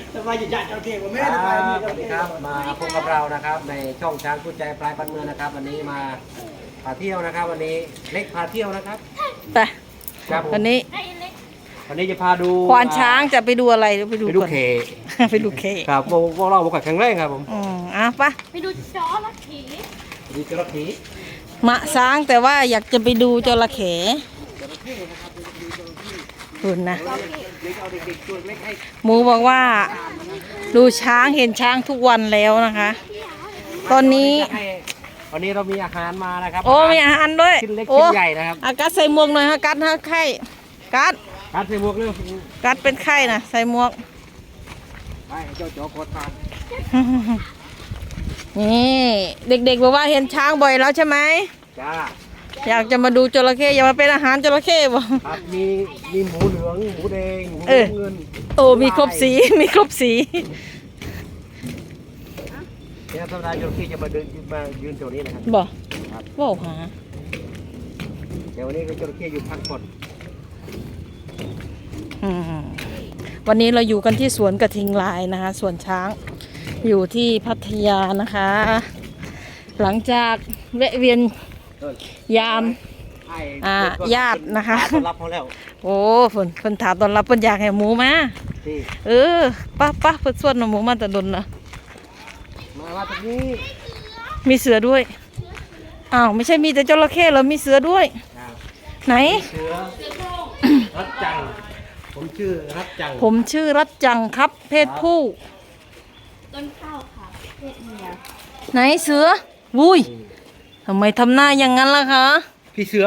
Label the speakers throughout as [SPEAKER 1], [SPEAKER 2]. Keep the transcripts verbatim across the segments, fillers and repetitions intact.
[SPEAKER 1] สบายจะจัดโอเคผมไม่ได้สบายมีโอเค
[SPEAKER 2] ครับมาพบกับเรานะครับในช่องช้างคู่ใจปลายปันเมืองนะครับวันนี้มาพาเที่ยวนะครับวันนี้เล็กพาเที่ยวนะครับ
[SPEAKER 3] ไป
[SPEAKER 2] ครับผม
[SPEAKER 3] วันนี้
[SPEAKER 2] วันนี้จะพาดู
[SPEAKER 3] ควานช้างจะไปดูอะไรไปดู
[SPEAKER 2] ไปดู
[SPEAKER 3] ก่อน
[SPEAKER 2] เค
[SPEAKER 3] ไปดูเค
[SPEAKER 2] ครับพวกพวกเราบุกแข็งแรงครับผม
[SPEAKER 3] อืมอ่ะปะ
[SPEAKER 4] ไปดูจอละผี
[SPEAKER 2] ดูจระเข้
[SPEAKER 3] มะช้างแต่ว่าอยากจะไปดูจระเข้คุณนะ
[SPEAKER 2] เดี๋ยวจะเอาเด็กๆตัวเล็กให้
[SPEAKER 3] หมูบอกว่า ดูช้างเห็นช้างทุกวันแล้วนะคะ ตอนนี้
[SPEAKER 2] ให้วันนี้เรามีอาหารมานะครับ
[SPEAKER 3] โอ้มีอาหารด้วย
[SPEAKER 2] ชิ้นเล็ก
[SPEAKER 3] โอ้
[SPEAKER 2] ชิ้นใหญ่นะครับ
[SPEAKER 3] อากัดใส่หมวกหน่อยฮะกัดฮะไข่กัด
[SPEAKER 2] การใส่หมวกเรื่อง
[SPEAKER 3] กัดเป็นไข่นะใส่หมวก
[SPEAKER 2] ไปเจ้าโจ๊กโคตรทาน
[SPEAKER 3] นี่เด็กๆบอกว่าเห็นช้างบ่อยแล้วใช่ไหม
[SPEAKER 2] จ้า
[SPEAKER 3] อยากจะมาดูจระเข้อยากมาเป็นอาหารจระเข้บ่
[SPEAKER 2] ครับมีมีหมูเหลืองหมูแดงหมู
[SPEAKER 3] เออ
[SPEAKER 2] เงิน
[SPEAKER 3] โอ้มีครบสี มีครบสี
[SPEAKER 2] เนี่ยธรรมดาจระเข้จะมาเดินมายืนแถวนี้นะครับ
[SPEAKER 3] บ่
[SPEAKER 2] ครับ
[SPEAKER 3] ว้าวหา
[SPEAKER 2] แต่วันนี้ก็จระเข้อยู่พักผ่อน
[SPEAKER 3] อืมวันนี้เราอยู่กันที่สวนกระทิงลายนะคะสวนช้างอยู่ที่พัทยานะคะ หลังจากแวะเวียน
[SPEAKER 2] เออย
[SPEAKER 3] าม
[SPEAKER 2] ให้
[SPEAKER 3] อ่า
[SPEAKER 2] เด็กก็
[SPEAKER 3] ญาตินะคะ
[SPEAKER 2] ต้อนรับเขาแล้ว
[SPEAKER 3] โอ้ฝนฝนถามตอนรับฝนอยากให้หมูมา
[SPEAKER 2] ที่
[SPEAKER 3] เออป้าป้าฝนส่วนหมูมาแต่ดนละ
[SPEAKER 2] มาว่าตรงนี้
[SPEAKER 3] มีเสือด้วยอ้าวไม่ใช่มีแต่จระเข้เหรอมีเสือด้วย
[SPEAKER 2] อ่า
[SPEAKER 3] ไหน
[SPEAKER 2] เสือรัดจังผมชื่อรัดจัง
[SPEAKER 3] ผมชื่อรัตจังครับ เพศผู้
[SPEAKER 4] ต้นข้าวค่ะเพศเมีย
[SPEAKER 3] ไหนเสือวุ้ยทำไมทำหน้าอย่างนั้นล่ะคะ
[SPEAKER 2] พี่เสือ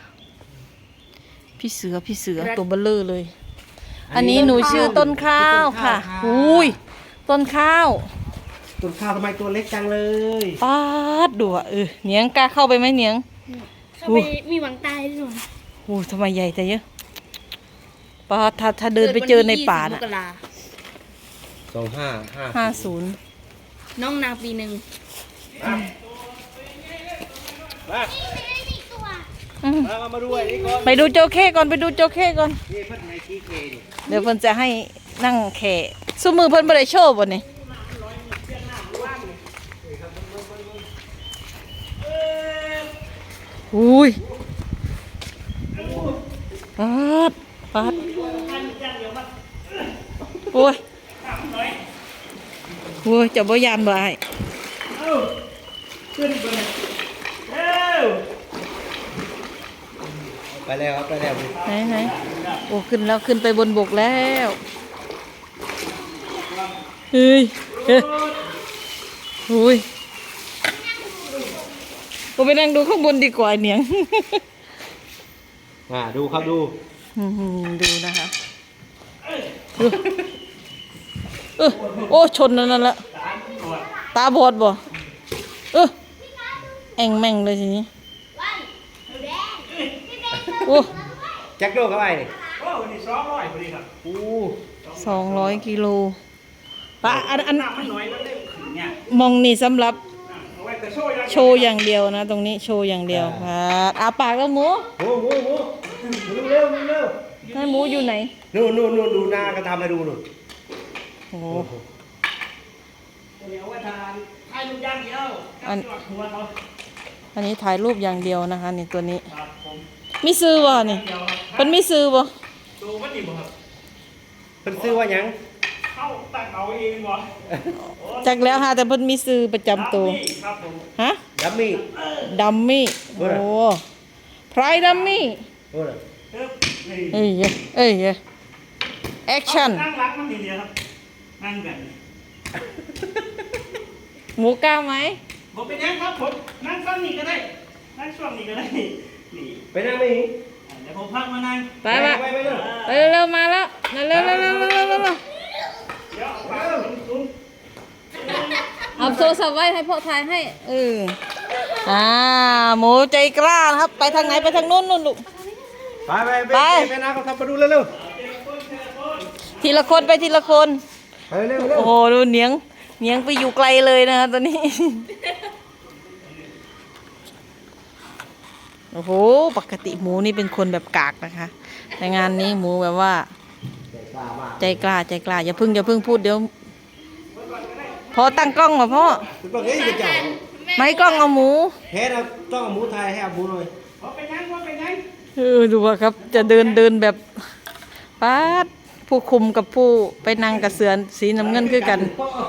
[SPEAKER 3] พี่เสือพี่เสือตัวเบลเลอร์เลย อันนี้หนูชื่อต้นข้าวค่ะอุ้ยต้นข้าว
[SPEAKER 2] ต้นข้าวทำไมตัวเล็กจังเลย
[SPEAKER 3] ป๊าดดูอ่ะเออเหนียงกล้าเข้าไปไหมเหนียง
[SPEAKER 4] เข้าไปมีหวังตายด้วย
[SPEAKER 3] โอ้ทำไมใหญ่แต่เยอะป๊าดถ้าถ้าเดินไปเจอในป่า
[SPEAKER 4] เกิด
[SPEAKER 3] น่ะ
[SPEAKER 4] วันที่ยี่สิบมกรา
[SPEAKER 2] สองห้าห้า
[SPEAKER 3] ห้าศูนย์
[SPEAKER 4] น้องนางปีหนึ่ง
[SPEAKER 2] มา
[SPEAKER 3] อืม
[SPEAKER 2] มามามาดูไอ้นี่ก่อน
[SPEAKER 3] ไปดูโจเข้ก่อนไปดูโจเข้ก่อน
[SPEAKER 2] นี่เพิ่นไงขี้เคนี่
[SPEAKER 3] เดี๋ยวเพิ่นจะให้นั่งแข่ซุมือเพิ่นบ่ได้โชว์บ่นี่อุ้ยปัดปัดโอ้ยโอ้ยเจะบ่ยานบ่าย
[SPEAKER 1] ขึ้นไปเลยเอ้า
[SPEAKER 2] ไปแล้วครับไปแล้ว
[SPEAKER 3] ไหนไหนโอ้ขึ้นแล้วขึ้นไปบนบกแล้วเฮ้ยเฮ้ยอุ้ยก็ไปนั่งดูข้างบนดีกว่าไอ้เหนียง
[SPEAKER 2] อ่าดูครับดู
[SPEAKER 3] อืมดูนะคะดูเออโอ้ชนนั่นนั่นละตาบอดบ่เออแองแม่งเลยทีนี้โอ้
[SPEAKER 2] แจ็คโดเข้าไปนี่
[SPEAKER 1] โอ้วันนี้สองร้อยพอดีครับ
[SPEAKER 2] อู้
[SPEAKER 3] สองร้อยกิโลปะอันอัน
[SPEAKER 1] น้ำมันน้อยแล้วเล่มขึ้นเนี่ย
[SPEAKER 3] มองนี่สำหรับ
[SPEAKER 1] เอาไว้แต่โชว์ยัง
[SPEAKER 3] โชว์อย่างเดียวนะ ตรงนี้โชว์อย่างเดียวครับอาปากแล้วหมู
[SPEAKER 2] โอ้โหโอ้โหดูเร็วดูเร็ว
[SPEAKER 3] ให้หมูอยู่ไหน
[SPEAKER 2] นู่นนู่นนู่นดูหน้าก็ทำให้ดูนู่น
[SPEAKER 3] โอ้
[SPEAKER 1] เดี๋ยวไว้ทานให้ลูกย่างเดียวกับจอดหัวเขา
[SPEAKER 3] อันนี้ถ่ายรูปอย่างเดียวนะคะนี่ตัวนี้
[SPEAKER 1] ครับผม
[SPEAKER 3] มีซื้อบ่นี่
[SPEAKER 1] เดียวครับ
[SPEAKER 3] เป็นมีซื้อบ่
[SPEAKER 1] ดูว่าดีบ่ครับ
[SPEAKER 2] เพิ่นซื้อว่าหยัง
[SPEAKER 1] เข้าตั้งเอาเองบ่
[SPEAKER 3] จักแล้วฮะแต่เพิ่นมีซื้อประจำตัว
[SPEAKER 1] นี่ครับผม
[SPEAKER 3] ฮะ
[SPEAKER 2] ดัมมี่
[SPEAKER 3] ดัมมี่
[SPEAKER 2] เอ
[SPEAKER 3] โอ้
[SPEAKER 2] อ
[SPEAKER 3] พรายดัมมี่
[SPEAKER 2] โอ้ย
[SPEAKER 1] เอ๊บนี่
[SPEAKER 3] เอ้ยเอ้ยแอคชั่น
[SPEAKER 1] นั่งรักมันทีเดียวครับนั่งแบบนี้
[SPEAKER 3] หมูกล้าไหม
[SPEAKER 1] ผมเป็นยังครับผมนั่งฟังนี่ก็ได้นั่งช่วงนี้ก็ได้นี่
[SPEAKER 2] ไปนั่งไม่หิง
[SPEAKER 1] เดี๋ยวผมพักมานั่ง
[SPEAKER 3] ไปไป
[SPEAKER 2] ไปไปเลย
[SPEAKER 3] ไปเร็วๆมาแล้วเร็วๆเร็วๆเร็วๆเร็วๆเร็ว
[SPEAKER 1] เดี๋ยวเอาปากตุ้ม
[SPEAKER 3] ๆเอาโทรศัพท์ไว้ให้พ่อถ่ายให้เอออ่าหมูใจกล้านะครับ ไปทางไหนไปทางนู้นนู่นลูก
[SPEAKER 2] ไปไปไป
[SPEAKER 3] ไป
[SPEAKER 2] ไปนั่งเขาทำมาดูเร็ว
[SPEAKER 3] ทีละคนไปทีละคน
[SPEAKER 2] ๆไปเร็วเร็ว
[SPEAKER 3] โอ้โหดูเหนียงเหนียงไปอยู่ไกลเลยนะคะตอนนี้ โอ้โหปกติหมูนี่เป็นคนแบบกากนะคะแต่งานนี้หมูแบบว่า
[SPEAKER 2] ใจกล้ามาก
[SPEAKER 3] ใจกล้าใจกล้าอย่าเพึ่งอย่าเพึ่งพูดเดี๋ยวพอตั้งกล้องมาพ่อ
[SPEAKER 2] คุณบอกเฮ้ยจะเจ้า
[SPEAKER 3] ไม่กล้องเอาหมู
[SPEAKER 2] เฮ็ดเอาต้องเอาหมูไทยให้เอาหมูหน่อย
[SPEAKER 1] พอไปยังพอไปยัง
[SPEAKER 3] เออดูว่าครับจะเดินเดินแบบป๊าดผู้คุมกับผู้ไปนั่งกับเสือสีน้ำเงินคือกัน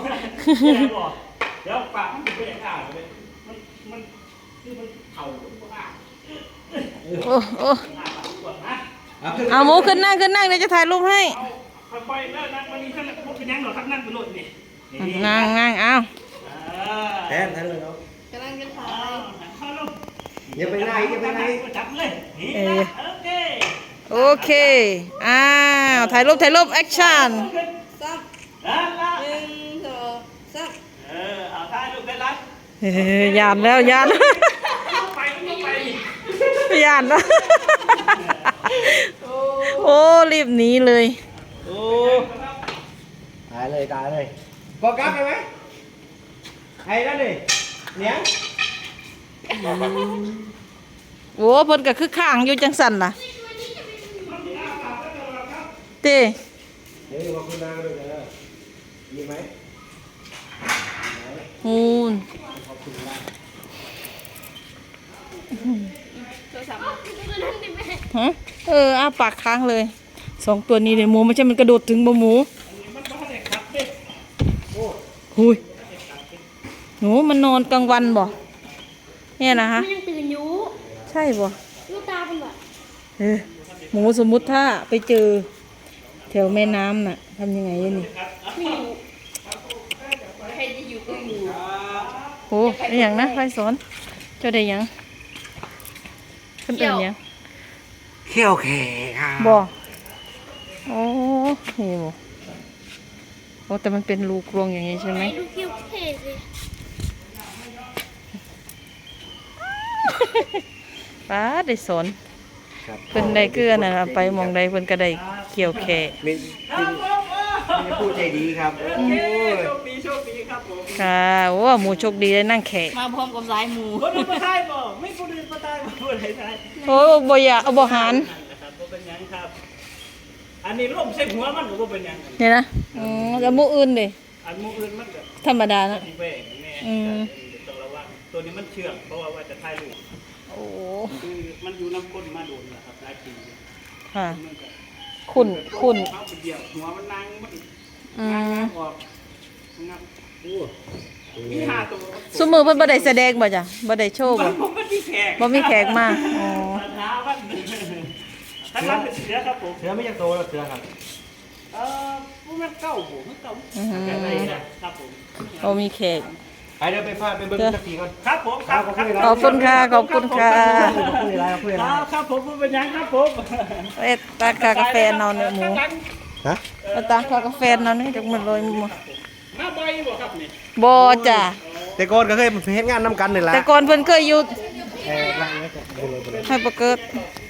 [SPEAKER 1] เดี๋ยวปากมันเป็นอ่างเลยมันมันคือมันเข่าอ่าง
[SPEAKER 3] โอ้โอ้
[SPEAKER 1] อ่างปวดนะ
[SPEAKER 3] เอาหมูขึ้นนั่งขึ้นนั่งเดี๋ยวจะถ่ายรูปให้
[SPEAKER 1] เอาค่อยๆแล้วนั่งวันนี้ท่านพวกเป็นยังหรอครับนั่งเป็นรถนี่
[SPEAKER 3] นั่งนั่งเอา
[SPEAKER 2] แทนแทนเลยเนาะ
[SPEAKER 4] กำลังจะถ่า
[SPEAKER 1] เอา
[SPEAKER 4] ย
[SPEAKER 1] เข้าลง
[SPEAKER 2] อย่าไปไหนอย่าไปไหน
[SPEAKER 1] จับเลยนี่นะโอเค
[SPEAKER 3] โอเคอ้าวถ่ายรูปถ่ายรูปแอคชั่น
[SPEAKER 4] ซับ
[SPEAKER 1] นั่นละ
[SPEAKER 4] หนึ่งสองสาม
[SPEAKER 1] เออเอาท่าลูกได้ละ
[SPEAKER 3] เฮ้ยยานแล้วยาน
[SPEAKER 1] ไปต้องไป
[SPEAKER 3] ยานแล้วโอ้รีบหนีเลย
[SPEAKER 2] โอ้ตายเลยตายเลยโฟกัสไปไหมไอ้นั่นดิเนี้ย
[SPEAKER 3] โอ้เพิ่นก็คือข้างอยู่จังสันล่ะเต้
[SPEAKER 2] เดี๋ยวมาคุณนางด้วยกันเลยมีไหม
[SPEAKER 3] ฮูน
[SPEAKER 4] โทรศัพท์
[SPEAKER 3] ฮะเอออ้าปากค้างเลยสองตัวนี้เลยหมูไม่ใช่มันกระโดดถึงบ่หมูหุยหนูมันนอนกลางวันบ่เนี่ยนะฮะ
[SPEAKER 4] มันยังตื่นอยู่
[SPEAKER 3] ใช่บ่
[SPEAKER 4] ลูกตาเป็นแบบ
[SPEAKER 3] เออหมูสมมุติถ้าไปเจอแถวแม่น้ำน่ะทำยังไงอะนี่
[SPEAKER 4] ไม่อยู่ใครจะอยู่ก็อยู่
[SPEAKER 3] โอ้ได้หยังนะใครสอนเจ้าได้หยังขึ้นเป็นหยัง
[SPEAKER 2] เขี้ยวแข็งค่ะ
[SPEAKER 3] บ่โอ้นี่บ่โอ้แต่มันเป็นรูกลวงอย่างนี้ใช่ไหม
[SPEAKER 4] ดูคิวเท่สิ
[SPEAKER 3] ป้าได้สอน
[SPEAKER 2] ครับ
[SPEAKER 3] เพิ่นได้เกลือน่ะไปหมองใดเพิ่นก็ได้เกี่ยวแค่
[SPEAKER 2] มีมีมีผู้ใจดีครับโอ้ย
[SPEAKER 1] โชคดีโชคดีครับผม
[SPEAKER 3] ค่ะโอ้หมูโชคดีได้นั่งแขก
[SPEAKER 4] มาพร้อมกับสายหมู
[SPEAKER 1] คนอื่นมาได้บ่ไม่คนอื่นมาได้บ่คนไหนได้
[SPEAKER 3] โอ้บ่อยากเอาบ่หาร
[SPEAKER 1] นะครับบ่เป็นหยังครับ อันนี้ล่มใส่หัวมันก็บ่เป็นหยัง
[SPEAKER 3] นี่นะอือแล้วหมูอื่นเด้
[SPEAKER 1] อันหมู่อื่นมันก็
[SPEAKER 3] ธรรมดานะ
[SPEAKER 1] สิแหวกแน่
[SPEAKER 3] อืม
[SPEAKER 1] ต้องระวังตัวนี้มันเชื่องเพราะว่าว่าจะถ่ายรูป
[SPEAKER 3] โอ้
[SPEAKER 1] คือมันอยู่น้ำก้นมาโดนนะครับหลายปี
[SPEAKER 3] ค่ะ
[SPEAKER 1] มันก็
[SPEAKER 3] ขุ่นขุ่น
[SPEAKER 1] เอาไปเดี่ยวหัวมันนางมัน
[SPEAKER 3] อื
[SPEAKER 1] นาง
[SPEAKER 3] ม
[SPEAKER 1] ออกงับโอ้มีห้าตัว
[SPEAKER 3] ซุมือเพิ่นบ่ได้แสดงบ่จ้ะบ่ได้โชว์บ่
[SPEAKER 1] มันบ่มีแขก
[SPEAKER 3] บ่มีแขกมาอ๋อ
[SPEAKER 1] ปัญหามันถ้าเราเป็นเสือครับผม
[SPEAKER 2] เสือไม่ยังโตแล้วเสือครับ
[SPEAKER 1] เอ่อพวกมันเก่าผมเก่า
[SPEAKER 3] อือหือ
[SPEAKER 1] อะไรนะครับผม
[SPEAKER 3] บ่มีแขก
[SPEAKER 2] ไปเดี๋ยวไปฟาดไปเบิ้งสักทีก่อน
[SPEAKER 1] ครับผมครับ
[SPEAKER 3] ขอบคุณค่ะขอบคุณค่ะ
[SPEAKER 2] คุยอะไรคุย
[SPEAKER 1] ค
[SPEAKER 2] อะไร
[SPEAKER 1] รับครับผมผู้เป็นยังครับผม
[SPEAKER 3] เอ็ดตาคากาแฟนอนเนี่ยหมู
[SPEAKER 2] ฮะ
[SPEAKER 3] เอาตาคากาแฟนอนนี่จักมันเลยหมู
[SPEAKER 1] มาบ่อยบ่ครับนี่
[SPEAKER 3] บ่จ้ะ
[SPEAKER 2] แต่ก่อนก็เคยเฮ็ดงานน้ำกันนี่แหละ
[SPEAKER 3] แต่ก่อนเพิ่นเคยอยู่
[SPEAKER 2] เออไล่ไว้ก่อนไปเลยไปเลย
[SPEAKER 3] ให้บ่เกิด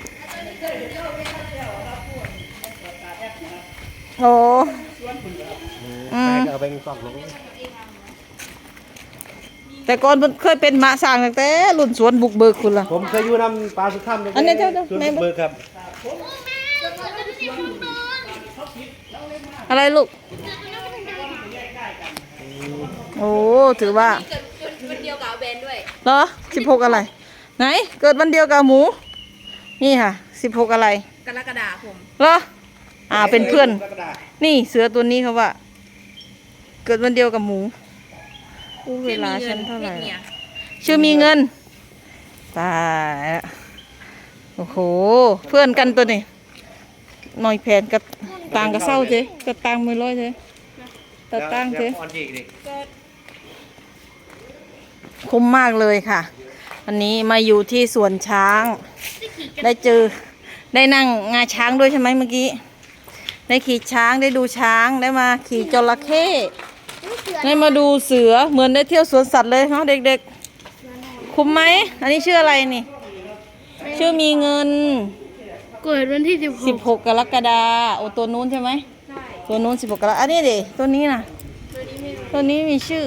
[SPEAKER 3] โอ้อื
[SPEAKER 2] ไป
[SPEAKER 3] ม
[SPEAKER 2] ก็เอาไปซ่อมลง
[SPEAKER 3] แต่ก่อนเพิ่นเคยเป็นหมาสร้างตั้งแต่รุ่นสวนบุกเบิกคุณล่ะ
[SPEAKER 2] ผมเคยอยู่นำปลาสุดถ้ำ
[SPEAKER 3] อันนี้เจ้าเจ้า
[SPEAKER 2] สวน
[SPEAKER 3] แม่
[SPEAKER 2] เบิกครับ
[SPEAKER 3] อะไรลูก โอ้ ถือว่า
[SPEAKER 4] เกิดวันเดียวกับแบนด้วย
[SPEAKER 3] เหรอสิบหกอะไร ไหน เกิดวันเดียวกับหมู นี่ค่ะสิบหกอะไร
[SPEAKER 4] กรกฎาคม
[SPEAKER 3] เหรอ อ่า เป็นเพื่อน นี่เสือตัวนี้เขาว่า เกิดวันเดียวกับหมูอู้เวลาฉันเท่าไหร่
[SPEAKER 4] เนี่ย
[SPEAKER 3] ชื่อมีเงิน ตายละโอ้โห เพื่อนกันตัวนี้หน่อยแผนกับต่างกับเศร้าเจ๊กับต่างมือร้อยเจ๊แต่ต่างเจ๊
[SPEAKER 2] อ่อนจีกดิ
[SPEAKER 3] คุ้มมากเลยค่ะ วันนี้มาอยู่ที่สวนช้าง ได้เจอ ได้นั่งงาช้างด้วยใช่ไหมเมื่อกี้ ได้ขี่ช้างได้ดูช้างได้มาขี่จระเข้ได้มาดูเสือเหมือนได้เที่ยวสวนสัตว์เลยเนาะเด็กๆ คุ้มไหม อันนี้ชื่ออะไรนี่ ชื่อมีเงิน
[SPEAKER 4] เกิดวันที่สิบห
[SPEAKER 3] สิบ
[SPEAKER 4] ก
[SPEAKER 3] หกกรกฎาโอ้ตัวนู้นใช่ไหม
[SPEAKER 4] ใช่
[SPEAKER 3] ตัวนู้นสิบหกกรกฎาอันนี้ดิตัวนี้นะ
[SPEAKER 4] ตัวนี้ไม่รู้
[SPEAKER 3] ตัวนี้มีชื่อ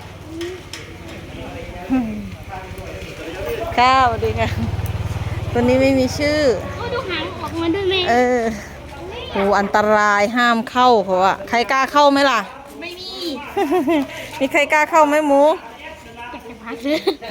[SPEAKER 3] ค่ะสวัสดีค่ะตัวนี้ไม่มีชื่อ
[SPEAKER 4] โอ้ดูหางออกมาด้วยไหม
[SPEAKER 3] เออ โหโอ้อันตรายห้ามเข้าเพราะว่าใครกล้าเข้าไหมล่ะ
[SPEAKER 4] ไม่มี
[SPEAKER 3] มีใครกล้าเข้าไหมหมู
[SPEAKER 4] อยากจะพักเลย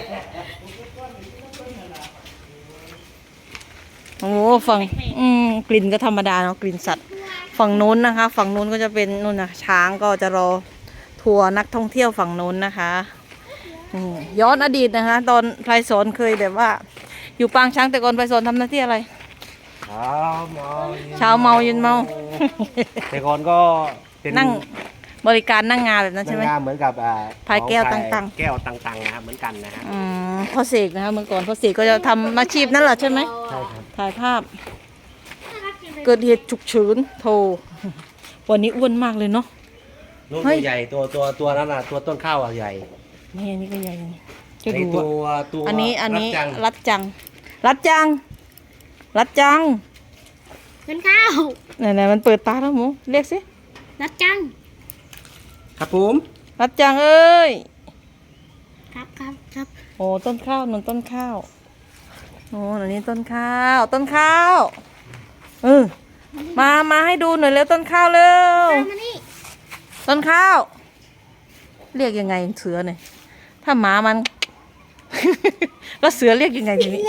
[SPEAKER 3] โอ้ฝั่งอืมกลิ่นก็ธรรมดาเนาะกลิ่นสัตว์ ฝั่งนู้นนะคะ ฝั่งนู้นก็จะเป็นนู่นนะช้างก็จะรอทัวร์นักท่องเที่ยวฝั่งนู้นนะคะอืมย้อนอดีตนะคะ ตอนไพศาลเคยแบบว่า อยู่ปางช้างแต่ก่อนไพศาลทำหน้าที่อะไร
[SPEAKER 2] เช้าเมา
[SPEAKER 3] เช้าเมาเย็นเมา
[SPEAKER 2] แต่ก่อนก็เป็น
[SPEAKER 3] นั่งบริการนั่งงานแบบนั้นใช่ไหม
[SPEAKER 2] นางงามเหมือนกับอ่า
[SPEAKER 3] พายแก้ว
[SPEAKER 2] ของ
[SPEAKER 3] ต่างๆ
[SPEAKER 2] แก้วต่างๆนะครับเหมือนกันนะฮะ
[SPEAKER 3] อืมพ่อเสกนะคะเมื่อก่อนพ่อเสกก็จะทำอาชีพนั่นแหละใช่ไหม
[SPEAKER 2] ใช่ครับ
[SPEAKER 3] ถ่ายภาพ เกิดเหตุฉุกเฉินโทรวันนี้อ้วนมากเลยเนาะ
[SPEAKER 2] ลูก
[SPEAKER 3] เฮ้ย
[SPEAKER 2] ตัวใหญ่ตัวตัวตัวนั้นอ่ะตัวต้นข้าวอ่ะใหญ่
[SPEAKER 3] นี่อันนี้ก็ใหญ่อยู่จะ
[SPEAKER 2] ใน
[SPEAKER 3] ดู
[SPEAKER 2] ตั
[SPEAKER 3] อะ
[SPEAKER 2] วตัว
[SPEAKER 3] อันนี้อันนี้
[SPEAKER 2] รัดจัง
[SPEAKER 3] รัดจัง รัดจัง รัดจัง
[SPEAKER 4] ต้นข้าว
[SPEAKER 3] ไหนๆมันเปิดตาแล้วหมูเรียกสิ
[SPEAKER 4] รัดจัง
[SPEAKER 2] ครับผม
[SPEAKER 3] รัดจังเอ้ย
[SPEAKER 4] ครับครับครับ
[SPEAKER 3] โอ้ต้นข้าวหนุนต้นข้าวโอ้อันนี้ต้นข้าว ต้นข้าวเออมามาให้ดูหน่อยเร็วต้นข้าวเร็ว
[SPEAKER 4] ตามมานี่
[SPEAKER 3] ต้นข้าว เรียกยังไงเสือเนี่ยถ้าหมามัน แล้วเสือเรียกยังไงทีนี้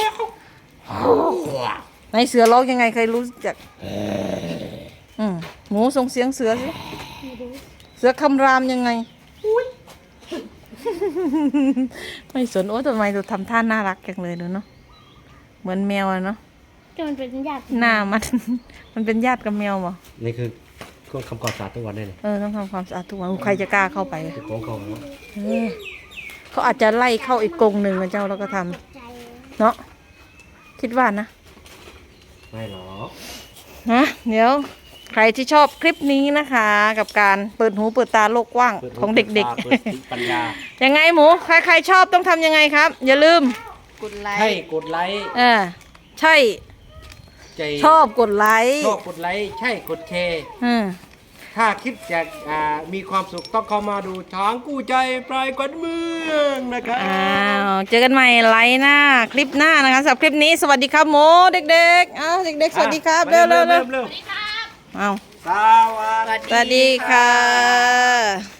[SPEAKER 3] ไหนเสือร้องยังไงใครรู้จักอืมหมูส่งเสียงเสือสิเสือคำรามยังไงไม่สนโอ้ทำไมดูทำท่าน่ารักจังเลยดูเนาะเหมือนแมวอะเนาะ
[SPEAKER 4] จนเป็นญาติ
[SPEAKER 3] หน้ามัน มันเป็นญาติกับแมวบ่
[SPEAKER 2] นี่คือเครื่องทำความสะอาดทุกวันได้เลย
[SPEAKER 3] เออต้องทำความสะอาดทุกวันใครจะกล้าเข้าไป
[SPEAKER 2] คือของเขาเนอะ
[SPEAKER 3] เออเขาอาจจะไล่เข้าอีกกรงหนึ่งนะเจ้าแล้วก็ทำ
[SPEAKER 4] ใจ
[SPEAKER 3] เนาะคิดว่านะ
[SPEAKER 2] ไม่หรอก
[SPEAKER 3] นะเดี๋ยวใครที่ชอบคลิปนี้นะคะ กับการเปิดหูเปิดตาโลกกว้าง
[SPEAKER 2] ปิหู
[SPEAKER 3] ของเด็ก
[SPEAKER 2] ปิตาเปิดปัญญา
[SPEAKER 3] ๆ ยังไงหมู ใครใครชอบต้องทำยังไงครับ อย่าลืม
[SPEAKER 4] กดไล
[SPEAKER 2] ให้
[SPEAKER 4] ค์
[SPEAKER 2] กดไลค์
[SPEAKER 3] เออใช่
[SPEAKER 2] ใจ
[SPEAKER 3] ชอบกดไลค์
[SPEAKER 2] ชอบกดไลค์ใช่กดแชร์
[SPEAKER 3] อืม
[SPEAKER 2] ถ้าคิดอยากอ่ามีความสุขต้องเข้ามาดูช้างกู้ใจปลายกวนเมืองนะครับ
[SPEAKER 3] อ้าวเจอกันใหม่ไลค์หน้าคลิปหน้านะคะสำหรับคลิปนี้สวัสดีครับหมูเด็กๆอ้าวเด็กๆสวัสดีครับ
[SPEAKER 2] อ่ะ
[SPEAKER 3] เร็วๆเร็ว
[SPEAKER 2] เร็ว
[SPEAKER 3] ๆอ้าว
[SPEAKER 2] ๆสวัสดี
[SPEAKER 3] สวัสดีค่ะ